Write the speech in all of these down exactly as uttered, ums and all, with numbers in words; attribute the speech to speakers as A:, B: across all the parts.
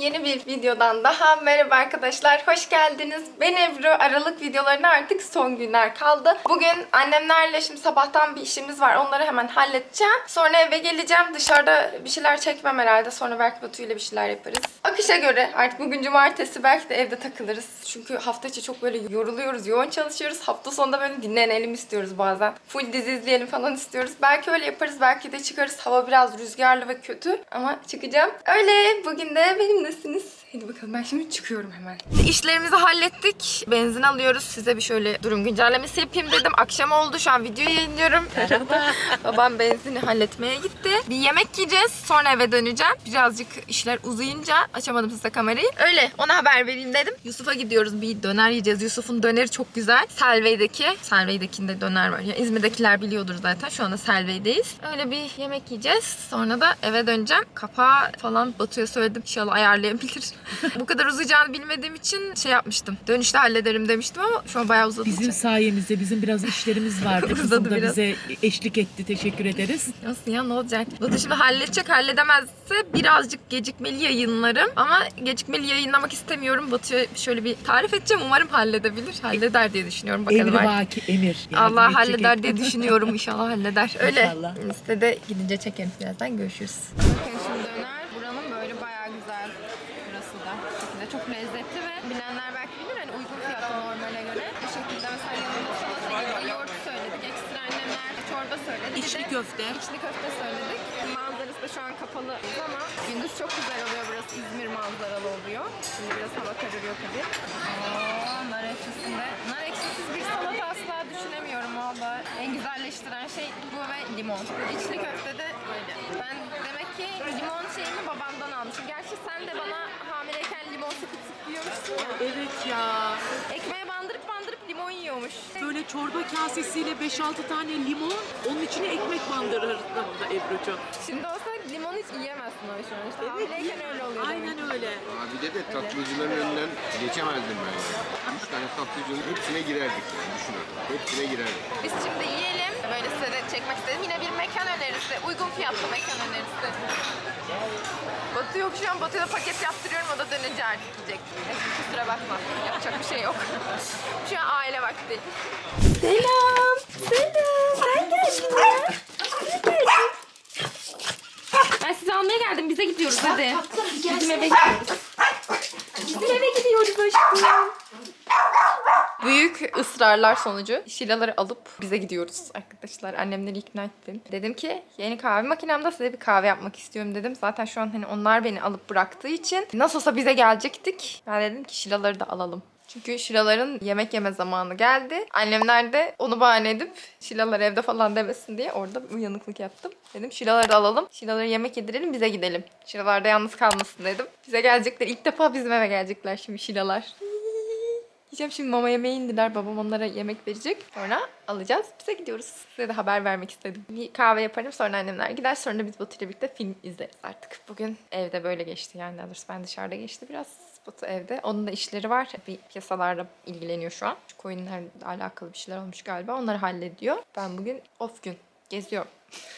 A: yeni bir videodan daha merhaba arkadaşlar, hoş geldiniz. Ben Ebru. Aralık videolarına artık son günler kaldı. Bugün annemlerle şimdi sabahtan bir işimiz var, onları hemen halledeceğim. Sonra eve geleceğim, dışarıda bir şeyler çekmem herhalde. Sonra belki Batu ile bir şeyler yaparız. Akışa göre artık bugün cumartesi, belki de evde takılırız. Çünkü hafta içi çok böyle yoruluyoruz, yoğun çalışıyoruz. Hafta sonunda böyle dinlenelim istiyoruz bazen. Full dizi izleyelim falan istiyoruz. Belki öyle yaparız, belki de çıkarız. Hava biraz rüzgarlı ve kötü ama çıkacağım. Öyle, bugün de benimlesiniz. Hadi bakalım, ben şimdi çıkıyorum hemen. İşlerimizi hallettik. Benzin alıyoruz. Size bir şöyle durum güncellemesi yapayım dedim. Akşam oldu, şu an videoyu yayınlıyorum. Babam benzini halletmeye gitti. Bir yemek yiyeceğiz. Sonra eve döneceğim. Birazcık işler uzayınca açamadım size kamerayı. Öyle, ona haber vereyim dedim. Yusuf'a gidiyoruz. Bir döner yiyeceğiz. Yusuf'un döneri çok güzel. Selve'deki. Selve'dekinde döner var. Yani İzmir'dekiler biliyordur zaten. Şu anda Selve'deyiz. Öyle bir yemek yiyeceğiz. Sonra da eve döneceğim. Kapağı falan Batu'ya söyledim. İnşallah ayarlayabilir. Bu kadar uzayacağını bilmediğim için şey yapmıştım. Dönüşte hallederim demiştim ama şu an bayağı uzadı.
B: Bizim sayemizde bizim biraz işlerimiz vardı. Kızım da bize eşlik etti. Teşekkür ederiz.
A: Nasıl ya, ne olacak? Batu şimdi halledecek. Halledemezse birazcık gecikmeli yayınlarım. Ama gecikmeli yayınlamak istemiyorum. Batu'ya şöyle bir tarif edeceğim. Umarım halledebilir. Halleder diye düşünüyorum. Bakalım.
B: Emri vaki emir.
A: Allah halleder diye düşünüyorum. İnşallah halleder. Öyle.
B: İnşallah.
A: Listede gidince çekerim birazdan. Görüşürüz. Bakın şimdi döner. Buranın böyle bayağı güzel. Burası da. Bu şekilde çok lezzetli ve bilenler belki bilir. Hani uygun fiyatlı normale göre. Bu şekilde mesela yanında salata gibi yoğurt söyledik. Ekstra annemler çorba söyledi. Bir
B: İçli
A: de
B: köfte.
A: İçli köfte söyledik. Manzarası da şu an kapalı ama gündüz çok güzel oluyor burası. İzmir manzaralı oluyor. Şimdi biraz hava kararıyor tabii. Oo, nar ekşisinde. Nar ekşisiz bir salata asla düşünemiyorum valla. En güzelleştiren şey bu ve limon. İçli köfte de böyle. Ben demek ki limon şeyimi babamdan almışım. Gerçi sen de bana hamileyken limon sıkıp sıkıp yiyormuşsun ya.
B: Evet ya.
A: Ekmeğe bandırıp bandırıp limon yiyormuş.
B: Böyle çorba kasesiyle beş altı tane limon, onun içine ekmek bandırırdı Ebru'cuğum.
A: Şimdi olsa limon hiç yiyemezsin o şu an. İşte hamileyken öyle oluyor.
B: Aynen
A: demek.
B: öyle.
C: Abi de de tatlıcıların önünden geçemezdim ben yani. Üç tane tatlıcının hepsine girerdik yani, düşünün. Hepsine girerdik.
A: Biz şimdi yiyelim. Böyle size de çekmek istedim. Yine bir mekan önerisi. Uygun fiyatlı mekan önerisi. Batu yok şu an. Batu'ya da paket yaptırıyorum. O da dönünce artık yiyecek. Neyse, kusura bakma. Yapacak bir şey yok. Şu an aile vakti. Selam. Selam. Sen geldin ya. Sen geldin. Ben sizi almaya geldim. Bize gidiyoruz hadi. Bizim eve gidiyoruz. Bizim eve gidiyoruz aşkım. Büyük ısrarlar sonucu Şilaları alıp bize gidiyoruz arkadaşlar. Annemleri ikna ettim. Dedim ki yeni kahve makinemde size bir kahve yapmak istiyorum dedim. Zaten şu an hani onlar beni alıp bıraktığı için nasıl olsa bize gelecektik. Ben dedim ki Şilaları da alalım. Çünkü Şilaların yemek yeme zamanı geldi. Annemler de onu bahane edip Şilalar evde falan demesin diye orada uyanıklık yaptım. Dedim Şilaları da alalım. Şilaları yemek yedirelim, bize gidelim. Şilalar da yalnız kalmasın dedim. Bize gelecekler. İlk defa bizim eve gelecekler şimdi Şilalar. Yiyeceğim şimdi, mama yemeğe indiler. Babam onlara yemek verecek. Sonra alacağız. Bize gidiyoruz. Size de haber vermek istedim. Bir kahve yaparım. Sonra annemler gider. Sonra biz Batu ile birlikte film izleriz artık. Bugün evde böyle geçti yani. Daha doğrusu ben dışarıda geçti biraz. Batu evde. Onun da işleri var. Bir piyasalarla ilgileniyor şu an. Şu coinlerle alakalı bir şeyler olmuş galiba. Onları hallediyor. Ben bugün off gün. Geziyorum.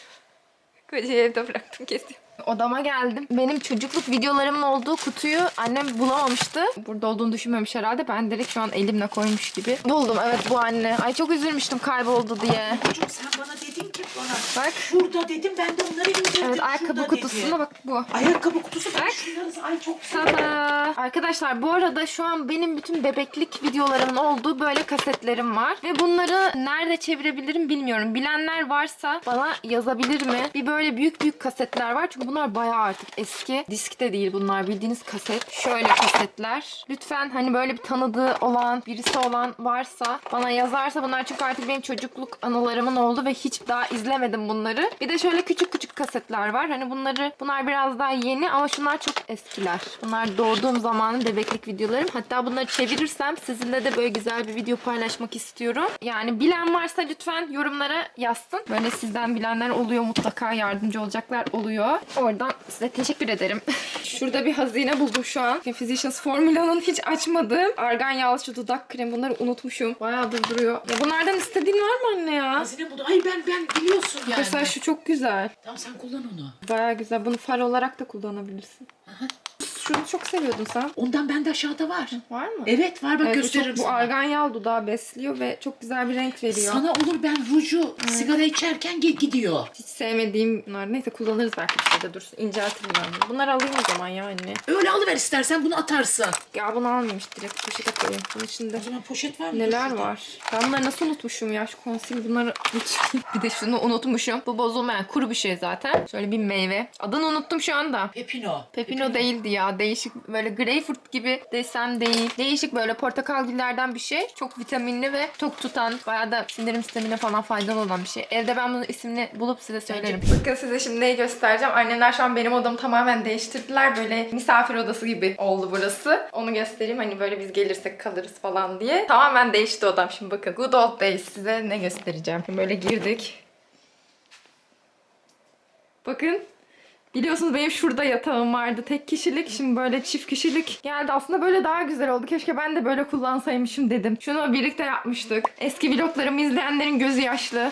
A: Kocayı evde bıraktım, geziyorum. Odama geldim. Benim çocukluk videolarımın olduğu kutuyu annem bulamamıştı. Burada olduğunu düşünmemiş herhalde. Ben direkt şu an elimle koymuş gibi buldum. Evet, bu anne. Ay çok üzülmüştüm kayboldu diye.
B: Çocuğum sen bana dedin ki bana.
A: Bak.
B: Şurada dedim, ben de onları indirdim.
A: Evet, ayakkabı kutusunda bak bu.
B: Ayakkabı kutusu bak.
A: Bak.
B: Şunları ay çok güzel.
A: Tada! Arkadaşlar bu arada şu an benim bütün bebeklik videolarımın olduğu böyle kasetlerim var. Ve bunları nerede çevirebilirim bilmiyorum. Bilenler varsa bana yazabilir mi? Bir böyle büyük büyük kasetler var. Çünkü bunlar bayağı artık eski. Diskte değil bunlar, bildiğiniz kaset. Şöyle kasetler. Lütfen hani böyle bir tanıdığı olan, birisi olan varsa bana yazarsa, bunlar çünkü artık benim çocukluk anılarımın oldu ve hiç daha izlemedim bunları. Bir de şöyle küçük küçük kasetler var. Hani bunları, bunlar biraz daha yeni ama şunlar çok eskiler. Bunlar doğduğum zamanın bebeklik videolarım. Hatta bunları çevirirsem sizinle de böyle güzel bir video paylaşmak istiyorum. Yani bilen varsa lütfen yorumlara yazsın. Böyle sizden bilenler oluyor, mutlaka yardımcı olacaklar oluyor. Oradan size teşekkür ederim. Şurada bir hazine buldum şu an. Physicians Formula'nın hiç açmadığım argan yağlı şu dudak kremi. Bunları unutmuşum. Bayağıdır duruyor. Ya bunlardan istediğin var mı anne ya?
B: Hazine buldu. Ay ben ben biliyorsun yani.
A: Mesela şu çok güzel.
B: Tamam sen kullan onu.
A: Bayağı güzel. Bunu far olarak da kullanabilirsin.
B: Aha.
A: Şunu çok seviyordun sen.
B: Ondan bende aşağıda var.
A: Var mı?
B: Evet var bak
A: Evet, bu,
B: gösteririm
A: çok, bu
B: sana.
A: argan yağ dudağı besliyor ve çok güzel bir renk veriyor.
B: Sana olur ben ruju sigara içerken ge- gidiyor.
A: Hiç sevmediğim bunlar. Neyse kullanırız belki bir şeyde dursun. İnceltirim ben bunu. Bunları alayım o zaman ya anne.
B: Öyle alıver istersen bunu atarsın.
A: Ya bunu almayayım işte direkt poşete koyayım. Bunun içinde
B: O zaman poşet var mı?
A: neler
B: Dur şurada.
A: var? Ben bunları nasıl unutmuşum ya? Şu konsil bunları unutmayayım. Bir de şunu unutmuşum. Bu bozulmayan kuru bir şey zaten. Şöyle bir meyve. Adını unuttum şu anda.
B: Pepino.
A: Pepino değildi ya. Değişik böyle greyfurt gibi desen değil. Değişik böyle portakal güllerden bir şey. Çok vitaminli ve tok tutan, bayağı da sindirim sistemine falan faydalı olan bir şey. Evde ben bunun ismini bulup size söylerim. Bakın size şimdi neyi göstereceğim. Annemler şu an benim odamı tamamen değiştirdiler. Böyle misafir odası gibi oldu burası. Onu göstereyim hani böyle biz gelirsek kalırız falan diye. Tamamen değişti odam. Şimdi bakın. Good old days. Size ne göstereceğim. Şimdi böyle girdik. Bakın. Biliyorsunuz benim şurada yatağım vardı. Tek kişilik. Şimdi böyle çift kişilik geldi. Aslında böyle daha güzel oldu. Keşke ben de böyle kullansaymışım dedim. Şunu birlikte yapmıştık. Eski vloglarımı izleyenlerin gözü yaşlı.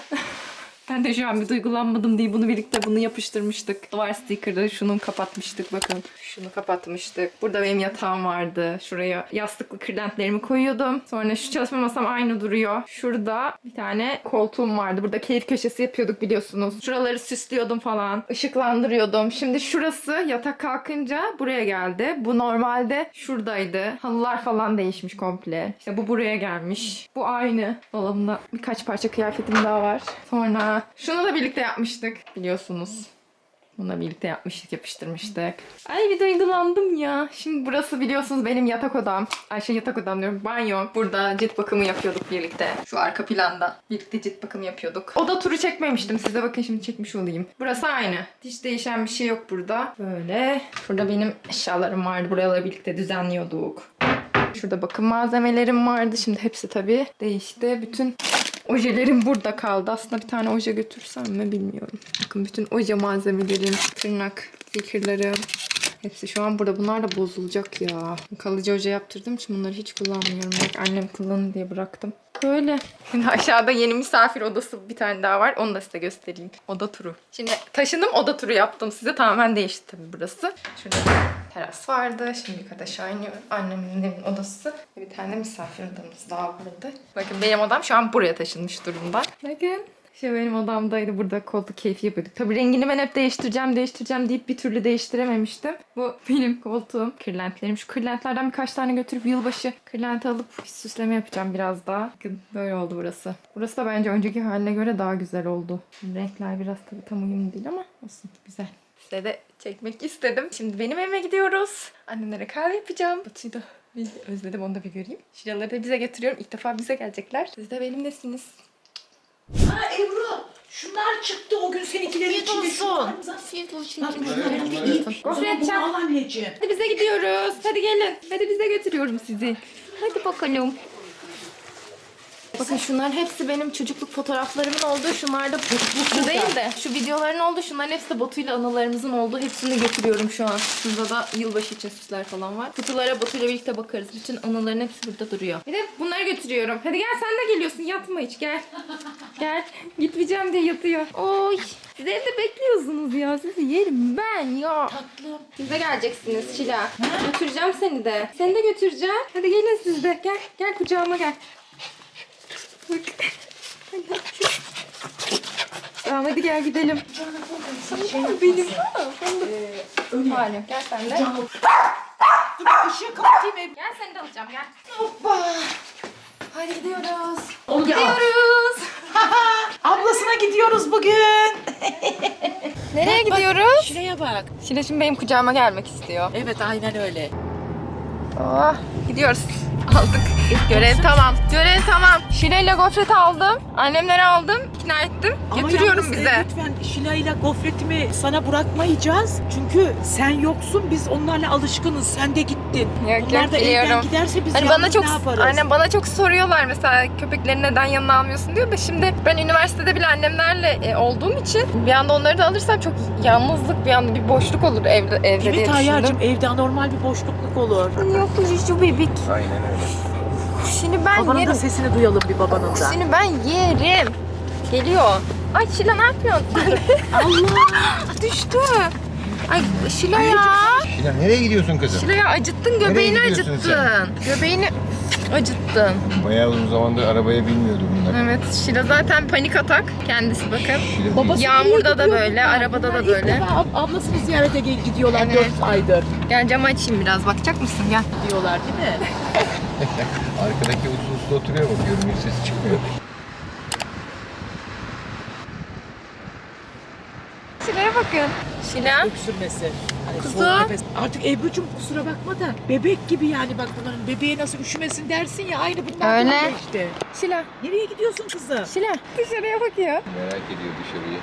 A: Ben de şu an bir duygulanmadım diye bunu birlikte bunu yapıştırmıştık. Duvar sticker'ı şunu kapatmıştık bakın. Şunu kapatmıştık. Burada benim yatağım vardı. Şuraya yastıklı kırlentlerimi koyuyordum. Sonra şu çalışma masam aynı duruyor. Şurada bir tane koltuğum vardı. Burada keyif köşesi yapıyorduk biliyorsunuz. Şuraları süslüyordum falan. Işıklandırıyordum. Şimdi şurası yatak kalkınca buraya geldi. Bu normalde şuradaydı. Halılar falan değişmiş komple. İşte bu buraya gelmiş. Bu aynı. Dolabımda birkaç parça kıyafetim daha var. Sonra şunu da birlikte yapmıştık biliyorsunuz. Bunu da birlikte yapmıştık, yapıştırmıştık. Ay bir duygulandım ya. Şimdi burası biliyorsunuz benim yatak odam. Ay şey yatak odam diyorum. Banyo. Burada cilt bakımı yapıyorduk birlikte. Şu arka planda. Birlikte cilt bakımı yapıyorduk. Oda turu çekmemiştim. Size bakın şimdi çekmiş olayım. Burası aynı. Hiç değişen bir şey yok burada. Böyle. Burada benim eşyalarım vardı. Buraları birlikte düzenliyorduk. Şurada bakım malzemelerim vardı. Şimdi hepsi tabii değişti. Bütün ojelerim burada kaldı. Aslında bir tane oje götürsem mi bilmiyorum. Bakın bütün oje malzemelerim, tırnak stikerlerim. Hepsi şu an burada. Bunlar da bozulacak ya. Kalıcı oje yaptırdığım için bunları hiç kullanmıyorum. Bak annem kullanın diye bıraktım. Böyle. Şimdi aşağıda yeni misafir odası bir tane daha var. Onu da size göstereyim. Oda turu. Şimdi taşındım oda turu yaptım size. Tamamen değişti tabii burası. Şurada teras vardı. Şimdi yukarıda aşağı iniyorum. Annemin evin odası. Bir tane misafir odamız daha vardı. Bakın benim odam şu an buraya taşınmış durumda. Bakın. Şu benim odamdaydı. Burada koltuk keyfi yapıyorduk. Tabii rengini ben hep değiştireceğim, değiştireceğim deyip bir türlü değiştirememiştim. Bu benim koltuğum. Kırlentlerim. Şu kırlentlerden birkaç tane götürüp yılbaşı kırlenti alıp bir süsleme yapacağım biraz daha. Bakın böyle oldu burası. Burası da bence önceki haline göre daha güzel oldu. Renkler biraz tabii tam uyumlu değil ama olsun. Güzel. Size de çekmek istedim. Şimdi benim evime gidiyoruz. Annemlere kahve yapacağım. Batu'yu da bir özledim, onu da bir göreyim. Şuraları da bize getiriyorum. İlk defa bize gelecekler. Siz de benimlesiniz.
B: Ha Ebru, şunlar çıktı o gün seninkilerin içinde. Şunlar.
A: Afiyet olsun.
B: Bak şunlar bir iyi. O zaman bunu al anneciğim.
A: Hadi bize gidiyoruz. Hadi gelin. Hadi bize götürüyorum sizi. Hadi bakalım. Bakın şunların hepsi benim çocukluk fotoğraflarımın olduğu. Şunlar da bu değil de şu videoların olduğu. Şunların hepsi de Batu'yla anılarımızın olduğu. Hepsini götürüyorum şu an. Şurada da yılbaşı için süsler falan var. Kutulara Batu'yla birlikte bakarız. Bütün anıların hepsi burada duruyor. Bir de bunları götürüyorum. Hadi gel sen de geliyorsun. Yatma hiç gel. Gel. Gitmeyeceğim diye yatıyor. Oy. Siz evde bekliyorsunuz ya. Sizi yerim ben ya.
B: Tatlım.
A: Siz de geleceksiniz Şila. Götüreceğim seni de. Seni de götüreceğim. Hadi gelin siz de. Gel. Gel kucağıma gel. Bak. Tamam hadi gel gidelim.
B: Şey
A: Benim.
B: Öyle.
A: Halim. Gel sen de.
B: Dur ışığı kapatayım Ebru.
A: Gel seni de alacağım gel.
B: Hoppa.
A: Hadi gidiyoruz.
B: Onu gel.
A: Gidiyoruz.
B: Ablasına gidiyoruz bugün.
A: Nereye gidiyoruz?
B: Şuraya bak.
A: Şila şimdi benim kucağıma gelmek istiyor.
B: Evet aynen öyle.
A: Oh, gidiyoruz. Aldık. Görev tamam. Görev tamam. Şila ile gofret aldım. Annemlere aldım. İkna ettim. Götürüyorum
D: yalnız,
A: bize.
D: e, Lütfen Şila ile gofretimi sana bırakmayacağız. Çünkü sen yoksun, biz onlarla alışkınız. Sen de gittin.
A: Yok,
D: Onlar
A: yok,
D: da
A: biliyorum.
D: evden giderse biz
A: Hani
D: yalnız
A: bana çok
D: ne yaparız?
A: annem bana çok soruyorlar mesela köpekleri neden yanına almıyorsun diyor da şimdi ben üniversitede bile annemlerle e, olduğum için bir anda onları da alırsam çok yalnızlık bir anda bir boşluk olur evde evde diye
D: Evet
A: düşündüm.
D: Tayyar'cığım, evde anormal bir boşlukluk olur.
A: Yok şu bebek.
C: Aynen öyle.
A: Şimdi ben
D: Babanın
A: yerim.
D: da sesini duyalım bir babanın da.
A: Şimdi ben yerim. Geliyor. Ay Şila ne yapıyorsun?
D: Allah!
A: Düştü. Ay Şila ya.
C: Şila nereye gidiyorsun kızım?
A: Şila ya acıttın, göbeğini
C: gidiyorsun
A: acıttın. Göbeğini acıttın.
C: Bayağı uzun zamandır arabaya binmiyordu bunlar.
A: Evet, Şila zaten panik atak kendisi bakın.
C: Şila
D: Babası
A: Yağmurda da
D: gidiyor
A: böyle,
D: bunlar.
A: arabada da
D: Bunlar
A: böyle.
D: ilk defa ab- ablasını ziyarete gel- gidiyorlar
A: Evet.
D: dört aydır.
A: Gel camı açayım biraz, bakacak mısın? Gel.
D: Diyorlar değil mi?
C: Arkadaki uslu uslu oturuyor bakıyorum, hiç sesi çıkmıyor.
A: Şila'ya bakın. Şila.
D: Öksürmesi. Hani
A: Kızım.
D: soğuk nefes. Artık Ebru'cum kusura bakma da bebek gibi yani bak bunların bebeğe nasıl üşümesin dersin ya aynı bunlar
A: Öyle.
D: böyle işte.
A: Şila.
D: Nereye gidiyorsun kızım?
A: Şila. Dışarıya bakıyor.
C: Merak ediyor dışarıyı.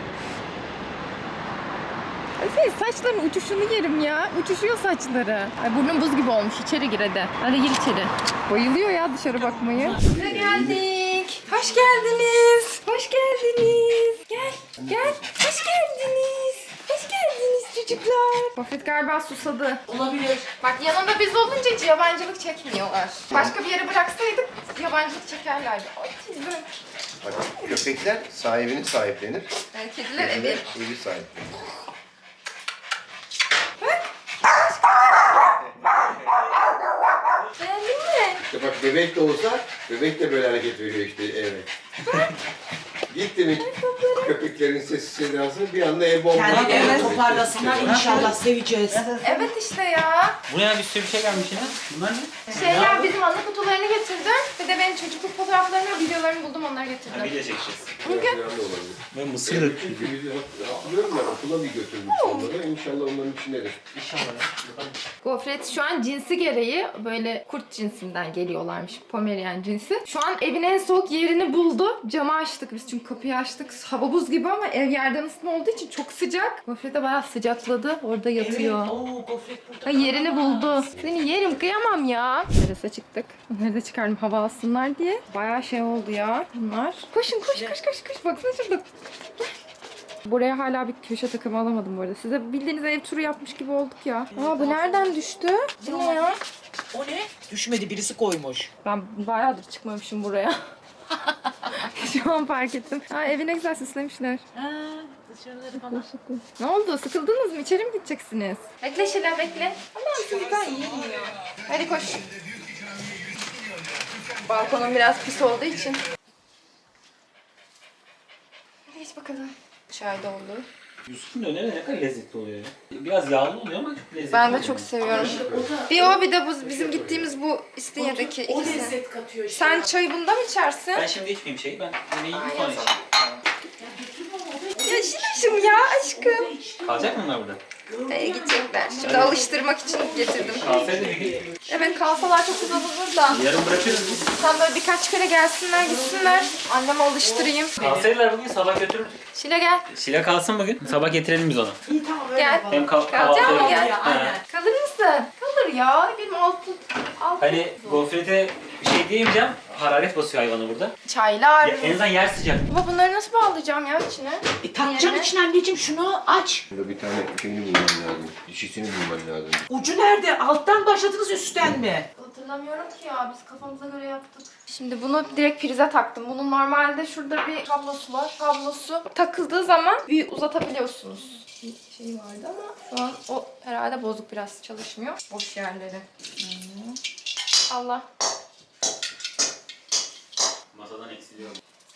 A: Ay senin saçların uçuşunu yerim ya. Uçuşuyor saçları. Ay burnun buz gibi olmuş. İçeri gir hadi. Hadi gir içeri. Bayılıyor ya dışarı bakmayı. Buraya geldik. Hoş geldiniz. Hoş geldiniz. Gel. Gel. Hoş geldiniz. Hoş geldiniz çocuklar. Buffett galiba susadı.
D: Olabilir.
A: Bak yanında biz olunca hiç yabancılık çekmiyorlar. Başka bir yere bıraksaydık yabancılık çekerlerdi. Ay tizim.
C: Bak, köpekler sahibini sahiplenir.
A: Yani kediler evi.
C: Evi sahiplenir.
A: Beğendin mi?
C: İşte bak bebek de olsa, bebek de böyle hareket veriyor işte eve. Gitti mi köpeklerin sesi sedasını bir anda ev bomba.
D: Kendilerini toparlasınlar inşallah seveceğiz.
A: Evet işte ya.
E: Buraya bir sürü bir şey gelmiş yine. Bunlar ne?
A: Şeyler bizim anı kutularını getirdim. Bir de benim çocukluk fotoğraflarımı ve videolarımı buldum onları getirdim.
E: Video çekeceğiz.
A: Bugün
C: da olabilir.
E: Ve mısır.
C: Çünkü biz hatırlıyorum ben okula bir götürmüş onları. İnşallah onların içindedir.
E: İnşallah.
A: gofret şu an cinsi gereği böyle kurt cinsinden geliyorlarmış. Pomerian cinsi. Şu an evin en soğuk yerini buldu. Camı açtık biz çünkü kapıyı açtık. Hava buz gibi ama ev yerden ısıtma olduğu için çok sıcak. Gofret de bayağı sıcakladı. Orada yatıyor.
D: Oo gofret burada.
A: Ha, yerini buldu. Seni yerim kıyamam ya. Terasa çıktık. Onları da çıkardım hava alsınlar diye. Bayağı şey oldu ya bunlar. Koşun koş koş koş koş. Baksana şurada. Buraya hala bir köşe takımı alamadım bu arada. Size bildiğiniz ev turu yapmış gibi olduk ya. Aa bu nereden düştü? Bu ne ya?
D: O ne? Düşmedi birisi koymuş.
A: Ben bayağıdır çıkmamışım buraya. Şu an fark ettim. Ha evi ne güzel süslemişler.
D: Ha, dışarıları falan.
A: Ne oldu? Sıkıldınız mı? İçeri mi gideceksiniz? Bekle Şila bekle. Allah'ım çocuklar iyi ya. Hadi koş. Balkonum biraz pis olduğu için. Hadi geç bakalım. Çay doldu.
E: Yusuf'un döneri ne kadar lezzetli oluyor ya. Biraz yağlı oluyor ama çok lezzetli
A: Ben de
E: oluyor.
A: çok seviyorum. Bir o bir de bu bizim gittiğimiz bu İstinye'deki
D: O
A: ikisi.
D: lezzet katıyor işte.
A: Sen çayı bunda mı içersin?
E: Ben şimdi içmeyeyim şeyi. Ben yemeği yiyeyim sonra
A: Aynen.
E: içeyim.
A: Ya Şila'şım ya aşkım.
E: Kalacak mı bunlar burada?
A: Ee, gidecekler. Şimdi alıştırmak için getirdim.
E: Kalsaydı bir gün
A: Evet kalsalar çok güzel olur da.
E: yarın bırakırız biz.
A: Sen böyle birkaç kere gelsinler gitsinler. Anneme alıştırayım.
E: Kalsaydılar bugün sabah götürürdük.
A: Şile gel.
E: Şila kalsın bugün. Sabah getirelim biz onu.
D: İyi tamam öyle
A: Gel.
D: yapalım.
E: Hem kal
A: Kalacak mı
E: kahvaltı
A: gel?
D: Ya, aynen.
A: Kalır mısın? Kalır ya. Benim altı... altı...
E: Hani gofrete bir şey diyemeyeceğim. Hararet basıyor hayvanı burada.
A: Çaylar.
E: Ya, en azından yer sıcak.
A: Baba bunları nasıl bağlayacağım ya içine?
D: E, takacaksın
A: Yerine.
D: içine anneciğim şunu aç.
C: Burada bir tane şeyini bulman lazım. Dişisini bulman lazım.
D: Ucu nerede? Alttan başladınız üstten mi?
A: Hatırlamıyorum ki ya. Biz kafamıza göre yaptık. Şimdi bunu direkt prize taktım. Bunun normalde şurada bir kablosu var. Kablosu takıldığı zaman bir uzatabiliyorsunuz. Bir şey vardı ama şu an o herhalde bozuk biraz çalışmıyor. Boş yerleri. Hmm. Allah.
E: Masadan eksiliyor.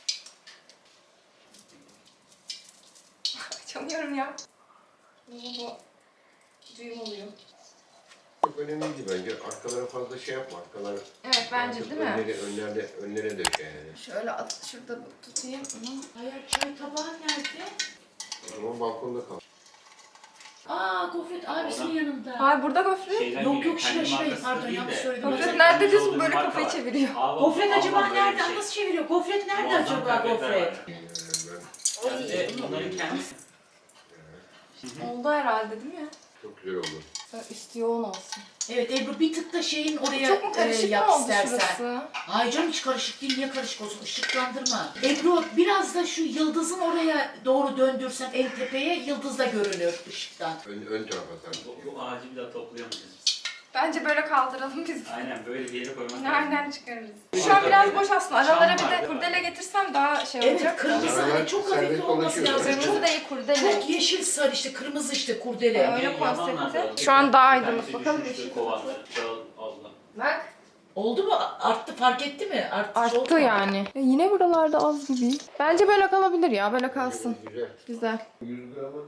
A: Açamıyorum ya. Bu düğüm oluyor.
C: Çok önemliydi bence. Arkalara fazla şey yapma. Arkalar
A: Evet bence değil mi?
C: önleri, önlerde, önlere dök yani.
A: Şöyle at, şurada tutayım.
D: Hayır çay tabağı nerede?
C: O zaman balkonda kal.
D: Aa gofret abisinin yanında.
A: Hayır burada gofret.
E: Şeyden
D: Yok,
E: geliyor,
D: yok,
E: kendi
D: şuraya, şuraya.
E: markası
D: Pardon,
E: değil
D: yanlış
E: de.
D: söyledim.
A: Gofret
E: Özel
A: nerede
E: kendi
A: diyorsun?
E: olduğu
A: Böyle
E: marka
A: kafayı
E: var.
A: çeviriyor.
E: Abi,
D: Gofret
E: abi,
D: acaba
E: abi, böyle bir
D: nerede?
E: şey.
D: Nasıl çeviriyor? Gofret nerede
E: Muazzam
D: acaba
E: kıyafetler
D: gofret?
E: var. Ben de bunların kendisi.
A: Oldu herhalde değil mi?
C: Çok güzel oldu.
A: Böyle üstü yoğun olsun.
D: Evet Ebru bir tık da şeyin oraya
A: Çok mu
D: e,
A: karışık
D: yap
A: mı oldu
D: istersen.
A: şurası?
D: Ay canım hiç karışık değil. Niye karışık olsun? Işıklandırma. Ebru biraz da şu yıldızın oraya doğru döndürsen en tepeye yıldız da görünür ışıktan.
C: Ön, ön tarafa sarı.
E: Bu, bu ağacı bir daha toplayamayacağız biz.
A: Bence böyle kaldıralım biz.
E: Aynen böyle bir yere koymak lazım.
A: Nereden çıkarırız? Şu an biraz boş aslında. Aralara bir de kurdele getirsem daha şey
B: Evet
A: olacak.
B: kırmızı hani çok hafif
C: Serbest
B: olması
C: dolaşıyor.
B: lazım.
A: Kırmızı
B: Çok,
A: değil kurdele.
B: çok yeşil sarı işte kırmızı işte kurdele.
A: Öyle
E: Yamanlar da
A: konsepti.
E: var.
A: Şu an daha
E: Bir
A: aydınlık.
E: tanesi
A: Bakalım
E: düşmüştü
A: yeşil.
E: kovanları. Dağıl- Allah.
A: Bak.
B: Oldu mu? Arttı fark etti mi? Arttı,
A: Arttı
B: oldu mu?
A: yani. Ya yine buralarda az gibi. Bence böyle kalabilir ya. Böyle kalsın.
C: Güzel.
A: Güzel.
C: yüz gramı.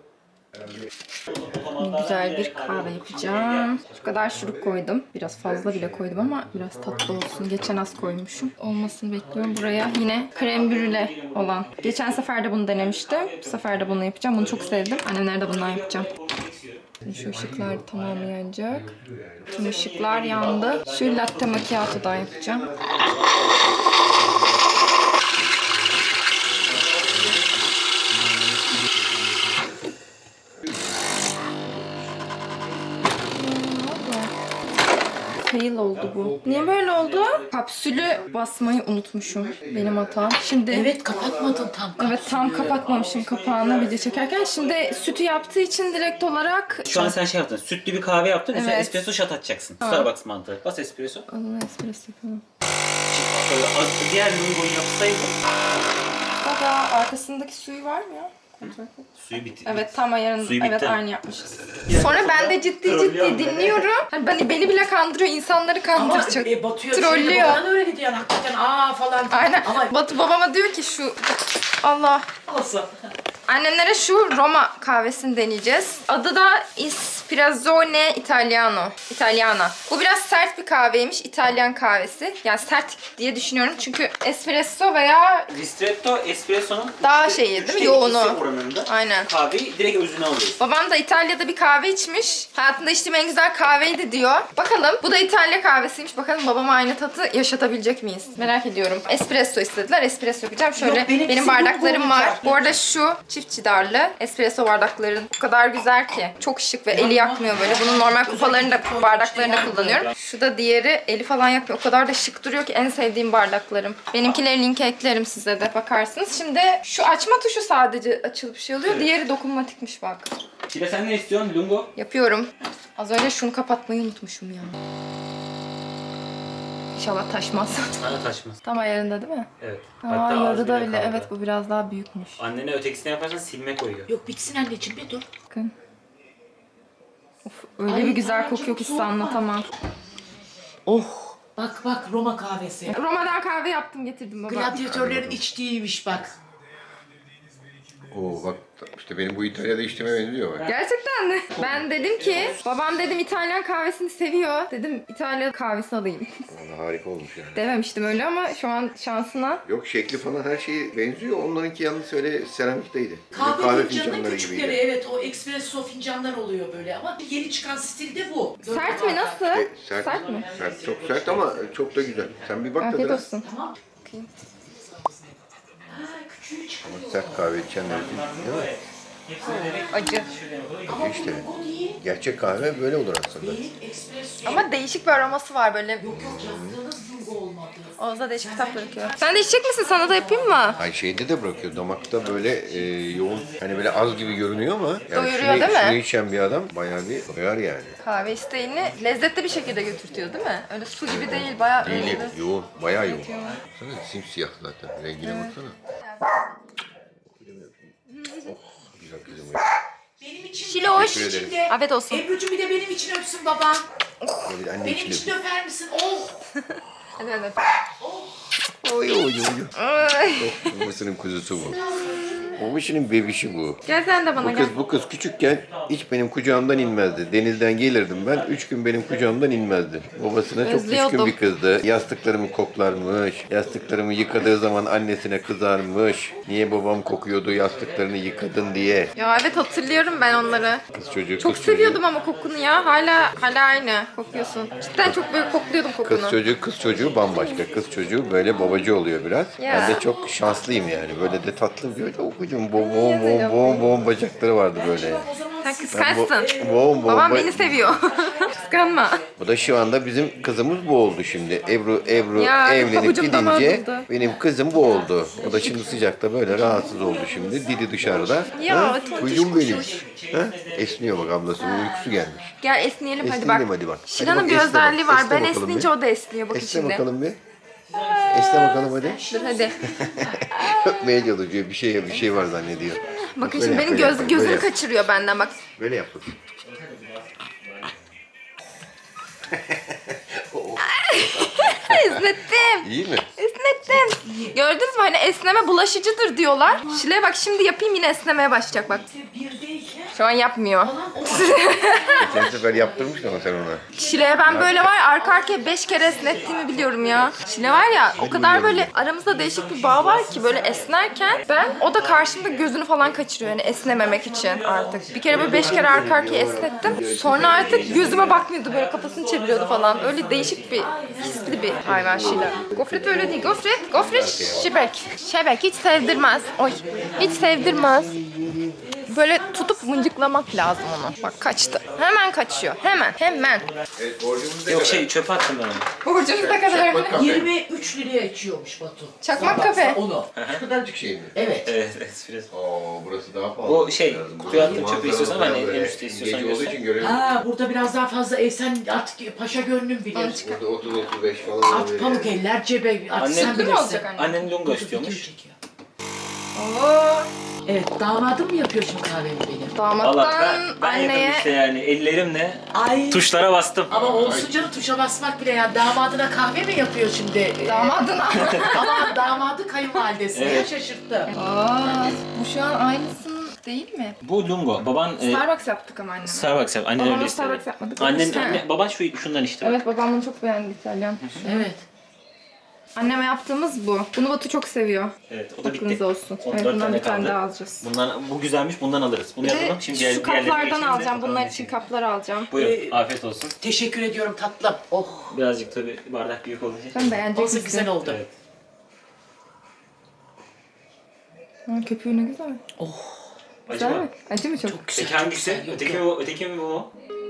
A: Güzel bir kahve yapacağım. Şu kadar şurup koydum. Biraz fazla bile koydum ama biraz tatlı olsun. Geçen az koymuşum. Olmasını bekliyorum. Buraya yine krem brüle olan. Geçen sefer de bunu denemiştim. Bu sefer de bunu yapacağım. Bunu çok sevdim. Annemler de bundan yapacağım. Şu ışıklar tamamı yanacak. Tüm ışıklar yandı. Şu latte macchiato'dan yapacağım. Fail oldu bu. Niye böyle oldu? Kapsülü basmayı unutmuşum. Benim hatam. Şimdi
B: Evet kapatmadın tam.
A: evet tam kapatmamışım kapağını video çekerken. Şimdi sütü yaptığı için direkt olarak
E: Şu an sen şey yaptın. Sütlü bir kahve yaptın. Üstüne
A: Evet.
E: espresso shot atacaksın. Starbucks mantığı. Bas espresso.
A: Adını espresso yapalım.
E: Böyle az- diğer lungoyu yapsaydın.
A: Baba arkasındaki suyu var mı ya? Kontrol et.
E: Suyu bitti.
A: Evet tam ayarında.
E: Suyu bitti.
A: Evet aynı yapmışız. Sonra ben de ciddi ciddi dinliyorum. Hani beni, beni bile kandırıyor, insanları
B: Ama
A: kandıracak.
B: e, batıyor.
A: Trollüyor.
B: Trollüyor. Baban öyle gidiyor yani hakikaten aa falan.
A: Aynen.
B: Ama
A: Batu babama diyor ki şu Allah.
B: olsa.
A: Annemlere şu Roma kahvesini deneyeceğiz. Adı da Espresso Italiano. Italiana. Bu biraz sert bir kahveymiş. İtalyan kahvesi. Yani sert diye düşünüyorum. Çünkü espresso veya
E: Ristretto espresso'nun
A: daha şeyi değil mi?
E: üçte
A: Yoğunu.
E: ikisi oranında
A: Aynen.
E: kahveyi direkt özüne alıyorsun.
A: Babam da İtalya'da bir kahve içmiş. Hayatında içtiğim en güzel kahveydi diyor. Bakalım. Bu da İtalya kahvesiymiş. Bakalım babama aynı tadı yaşatabilecek miyiz? Merak ediyorum. Espresso istediler. Espresso yapacağım. Şöyle
B: Yok, benimkisi
A: benim
B: bu
A: bardaklarım var.
B: olacak.
A: Bu arada şu çift çidarlı espresso bardakların o kadar güzel ki. Çok şık ve eli yakmıyor böyle. Bunun normal kupalarını da bardaklarını da kullanıyorum. Şu da diğeri eli falan yakmıyor. O kadar da şık duruyor ki en sevdiğim bardaklarım. Benimkileri linke eklerim size de bakarsınız. Şimdi şu açma tuşu sadece açılıp şey oluyor. Diğeri dokunmatikmiş bak.
E: Şile sen ne istiyorsun? Lungo?
A: Yapıyorum. Az önce şunu kapatmayı unutmuşum ya. İnşallah taşmaz.
E: Sana taşmaz.
A: Tam ayarında değil mi?
E: Evet.
A: Aa
E: az
A: yarıda
E: bile
A: bile.
E: kaldı.
A: Evet bu biraz daha büyükmüş.
E: Annene ötekisini yaparsan silme koyuyor.
B: Yok bitsin anneciğim bir dur.
A: Bakın. Of öyle
B: Ay,
A: bir güzel
B: Pınar'cığım,
A: kokuyor ki size
B: soğuk var.
A: anlatamam.
B: Oh. Bak bak Roma kahvesi.
A: Roma'dan kahve yaptım getirdim baba.
B: Gladyatörlerin içtiğiymiş bak.
C: Oo bak işte benim bu İtalya'da içtiğime benziyor bak.
A: Gerçekten mi? Ben dedim ki babam dedim İtalyan kahvesini seviyor. Dedim İtalya kahvesi alayım.
C: Vallahi harika olmuş yani.
A: Dememiştim öyle ama şu an şansına.
C: Yok şekli falan her şey benziyor. Onlarınki yalnız öyle seramikteydi. Bizim
B: Kahve,
C: kahve
B: fincanının
C: fincanları
B: küçükleri
C: gibiydi.
B: evet o espresso fincanlar oluyor böyle ama yeni çıkan stilde bu. Dört
A: Sert
B: bardak.
A: mi nasıl?
C: E, sert,
A: Sert mi?
C: Sert, çok sert ama çok da güzel. Sen bir bak
A: Afiyet
C: tadına.
A: olsun.
B: Tamam. Ha küçüğü çıkıyor.
C: Ama sert kahve içenler için değil mi?
A: Acı.
B: Ama
C: işte.
B: bu değil.
C: Gerçek kahve böyle olur aslında.
B: Değil espresso.
A: Ama değişik bir aroması var böyle.
B: Yok yok yaptığınız lungo olmadı.
A: Oğuz'a değişik kitap bırakıyor. Sen de içecek misin? Sana da yapayım mı?
C: Ay şeyde de bırakıyor. Damakta böyle e, yoğun hani böyle az gibi görünüyor ama yani
A: Doyuruyor
C: şunu,
A: değil mi?
C: şunu içen bir adam bayağı bir doyar yani.
A: Kahve isteğini lezzetli bir şekilde götürtüyor değil mi? Öyle su gibi değil, bayağı
C: Değil,
A: öyle.
C: yoğun, bayağı yoğun. Sana simsiyah zaten. Rengine baksana. Oh, güzel kızım ya.
B: Benim için
A: Şiloş.
C: Teşekkür ederim.
B: içinde.
A: Afiyet olsun.
B: Ebru'cum bir de benim için öpsün baban.
C: Böyle anne
B: Benim
C: içinde.
B: için öper misin? Oh.
A: Hadi hadi.
C: Oy oy oy.
A: Ay.
C: Oh, babasının kuzusu bu. Babasının bebişi bu.
A: Gel sen de bana
C: Bu
A: gel.
C: kız bu kız küçükken hiç benim kucağımdan inmezdi. Denizden gelirdim ben. Üç gün benim kucağımdan inmezdi. Babasına çok
A: Özlüyordum.
C: düşkün bir kızdı. Yastıklarımı koklarmış. Yastıklarımı yıkadığı zaman annesine kızarmış. Niye babam kokuyordu yastıklarını yıkadın diye.
A: Ya evet hatırlıyorum ben onları.
C: Kız çocuğu
A: Çok
C: kız
A: seviyordum ama kokunu ya. Hala hala aynı kokuyorsun. Cidden çok böyle kokluyordum
C: Çocuğu.
A: kokunu.
C: Kız çocuğu kız çocuğu bambaşka. Kız çocuğu böyle babacı oluyor biraz.
A: Ya.
C: Ben de çok şanslıyım yani. Böyle de tatlı böyle o değil mi? Boğum boğum boğum boğum boğum bacakları vardı böyle.
A: Sen kıskançsın.
C: Boğum boğum.
A: Babam
C: ba-
A: beni seviyor. Kıskanma.
C: Bu da şu anda bizim kızımız bu oldu şimdi. Ebru Ebru
A: Ya,
C: evlenip
A: pabucum damağa
C: gidince
A: durdu.
C: benim kızım bu oldu. O da şimdi sıcakta böyle rahatsız oldu şimdi. Dili dışarıda.
A: Ya,
C: Ha?
A: tontiş
C: Kuyum benim.
A: kuş.
C: Ha? Esniyor bak ablası. Uykusu gelmiş.
A: Gel esneyelim hadi
C: Esneyelim
A: bak.
C: hadi bak. Hadi
A: Şilan'ın
C: bak,
A: bir
C: esne bak.
A: özelliği var.
C: Esne
A: Ben
C: bakalım
A: esnince
C: bir.
A: o da esniyor. Bak
C: Esne
A: şimdi.
C: bakalım bir. Esne bakalım hadi.
A: Dur hadi.
C: Öpmeye çalışıyor. Bir şey bir şey var zannediyor.
A: Bakın
C: Böyle
A: şimdi
C: yap,
A: benim
C: böyle
A: göz,
C: yap,
A: gözüm
C: böyle yap.
A: kaçırıyor benden bak.
C: Böyle yap bakayım.
A: Esnettim.
C: İyi mi?
A: Esnettim. Gördünüz mü hani esneme bulaşıcıdır diyorlar. Şile'ye bak şimdi yapayım yine esnemeye başlayacak bak. Şu an yapmıyor.
C: Geçen sefer yaptırmıştın ama sen ona.
A: Şile'ye ben böyle var ya, arka arkaya beş kere esnettiğimi biliyorum ya. Şile var ya o kadar böyle aramızda değişik bir bağ var ki böyle esnerken ben o da karşımda gözünü falan kaçırıyor yani esnememek için artık. Bir kere böyle beş kere arka arkaya esnettim. Sonra artık gözüme bakmıyordu böyle kafasını çeviriyordu falan. Öyle değişik bir hisli bir hayvan Şile. Gofret öyle değil. Gofret, gofret şibek. Şebek hiç sevdirmez. Oy hiç sevdirmez. Böyle tutup mıncıklamak lazım onu. Bak kaçtı. Hemen kaçıyor. Hemen. Hemen.
C: Evet, borcumuz ne
E: Yok
C: kadar?
E: şey çöpe attım ben onu.
A: Borcunuz ne kadar?
C: Çakmak kafe.
D: yirmi üç liraya içiyormuş Batu.
A: Çakmak
D: Sabah
A: kafe.
D: Onu.
C: Şu kadarcık şey mi?
D: Evet.
E: Evet espresso.
C: Oo, burası daha pahalı.
E: Bu şey,
C: Lazım.
E: kutuya attığın
C: Manzara
E: çöpü istiyorsan
C: falan
E: hani en
C: böyle
E: üstte istiyorsan
C: gece olduğu
E: göster.
C: için göremiyorum.
D: Ha, burada biraz daha fazla ev sen artık paşa gönlüm bilir.
C: Burada otuz otuz beş falan
D: At
C: oluyor
D: pamuk
C: yani.
D: eller cebe artık
E: Anne-
D: sen
E: Mutlu
A: mu
D: bilirsin.
A: olacak anne?
E: Annen lunga
D: Video
E: istiyormuş.
D: çekiyor.
A: Oo.
D: Evet, damadım mı yapıyor şimdi kahvemi benim?
A: Damattan
E: Valla ben, ben
A: anneye...
E: yapıyorum işte yani ellerimle
D: Ay.
E: tuşlara bastım.
D: Ama olsun canım tuşa basmak bile yani damadına kahve mi yapıyor şimdi?
A: Damadına.
D: Ama damadı kayınvalidesine
E: Evet.
D: şaşırttı.
A: Aa, bu şu an aynısının değil mi?
E: Bu lungo. Baban e,
A: Starbucks yaptık ama anneme.
E: Starbucks yap. Annen
A: Babama
E: öyle istedi.
A: Starbucks yapmadık.
E: Annen,
A: İşte.
E: anne, baban şu şundan işte.
A: Evet babam bunu çok beğendi İtalyan.
D: Evet.
A: Anneme yaptığımız bu. Bunu Batu çok seviyor.
E: Evet, o da
A: Aklınız
E: bitti.
A: olsun.
E: on
A: Evet
E: dört
A: bundan
E: tane
A: bir tane
E: kaldı.
A: daha alacağız.
E: Bundan bu güzelmiş. Bundan alırız. Bunu
A: Bir de
E: yazalım. Şimdi diğer,
A: şu
E: diğerlerini
A: kaplardan
E: geçelim de
A: alacağım.
E: bakalım
A: Bunlar
E: ne
A: için
E: çıkıyor.
A: kaplar alacağım.
E: Buyurun.
D: Ee,
E: Afiyet olsun.
D: Teşekkür ediyorum tatlım. Oh.
E: Birazcık tabii bardak büyük olacak.
A: Sen beğenecek
D: Olsun
A: misin?
D: güzel oldu.
E: Evet.
A: Ha, köpüğü ne güzel. Güzel
E: Acaba
A: mi? Acı mı çok?
D: Çok güzel.
E: öteki hangisi?
D: Yok,
E: Öteki
D: yok.
E: mi bu? Öteki mi bu mu?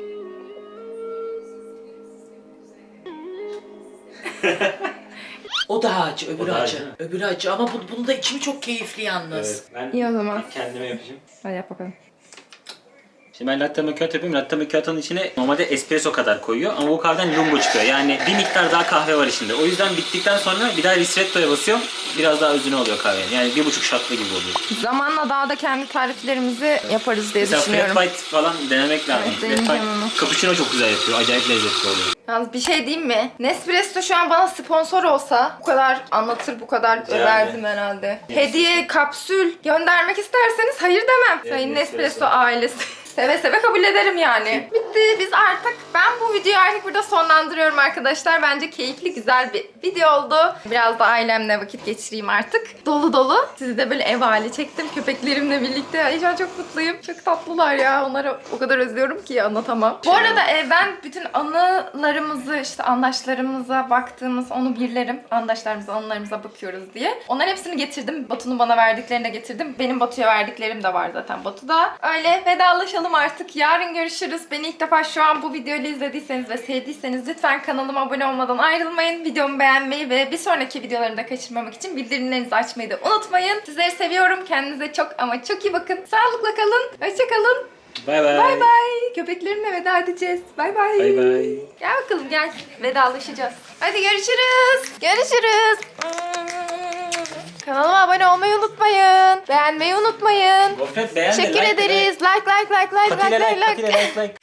D: O da acı, öbürü
E: O da
D: acı.
E: acı.
D: Öbürü acı ama bu, bunun da içimi çok keyifli yalnız.
E: Evet. Ben
A: İyi o zaman.
E: kendime yapacağım.
A: Hadi yap bakalım.
E: Şimdi ben latte macchiato yapıyorum. Latte macchiato'nun içine normalde espresso kadar koyuyor ama bu kahveden lungo çıkıyor. Yani bir miktar daha kahve var içinde. O yüzden bittikten sonra bir daha ristretto'ya basıyorum. Biraz daha özüne oluyor kahvenin. Yani bir buçuk şatlı gibi oluyor.
A: Zamanla daha da kendi tariflerimizi yaparız diye
E: Mesela
A: düşünüyorum.
E: flat white falan denemek lazım.
A: Evet,
E: Flat
A: deneyeceğim
E: white
A: onu.
E: cappuccino çok güzel yapıyor. Acayip lezzetli oluyor.
A: Yalnız bir şey diyeyim mi? Nespresso şu an bana sponsor olsa bu kadar anlatır, bu kadar
E: Yani.
A: överdim herhalde. Hediye, kapsül göndermek isterseniz hayır demem.
E: Evet,
A: Sayın
E: Nespresso.
A: Nespresso ailesi. Seve seve kabul ederim yani. Bitti. Biz artık, ben bu videoyu artık burada sonlandırıyorum arkadaşlar. Bence keyifli, güzel bir video oldu. Biraz da ailemle vakit geçireyim artık. Dolu dolu. Sizi de böyle ev hali çektim köpeklerimle birlikte. Ay şu an çok mutluyum. Çok tatlılar ya. Onları o kadar özlüyorum ki anlatamam. Bu arada e, ben bütün anılarımızı, işte andaşlarımıza baktığımız onu birlerim. Andaşlarımıza, anılarımıza bakıyoruz diye. Onların hepsini getirdim. Batu'nun bana verdiklerini de getirdim. Benim Batu'ya verdiklerim de var zaten Batu'da. Öyle vedalaşalım artık. Yarın görüşürüz. Beni ilk defa şu an bu videoyu izlediyseniz ve sevdiyseniz lütfen kanalıma abone olmadan ayrılmayın. Videomu beğenmeyi ve bir sonraki videolarını da kaçırmamak için bildirimlerinizi açmayı da unutmayın. Sizleri seviyorum. Kendinize çok ama çok iyi bakın. Sağlıkla kalın. Hoşça kalın.
E: Bay bay.
A: Bay bay. Köpeklerimle veda edeceğiz. Bay bay.
E: Bay bay.
A: Gel bakalım gel. Vedalaşacağız. Hadi görüşürüz. Görüşürüz. Kanalıma abone olmayı unutmayın. Beğenmeyi unutmayın.
E: Gofret beğendi.
A: Teşekkür
E: like,
A: ederiz. Like like like like
E: Patile
A: like
E: like,
A: like
E: patile
A: like.
E: like, like.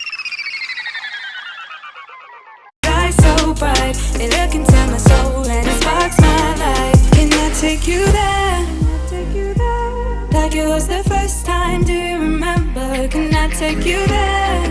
F: Shine so bright, it look into my soul and it sparks my life. Can I take you there? Like it was the first time, do you remember? Can I take you there?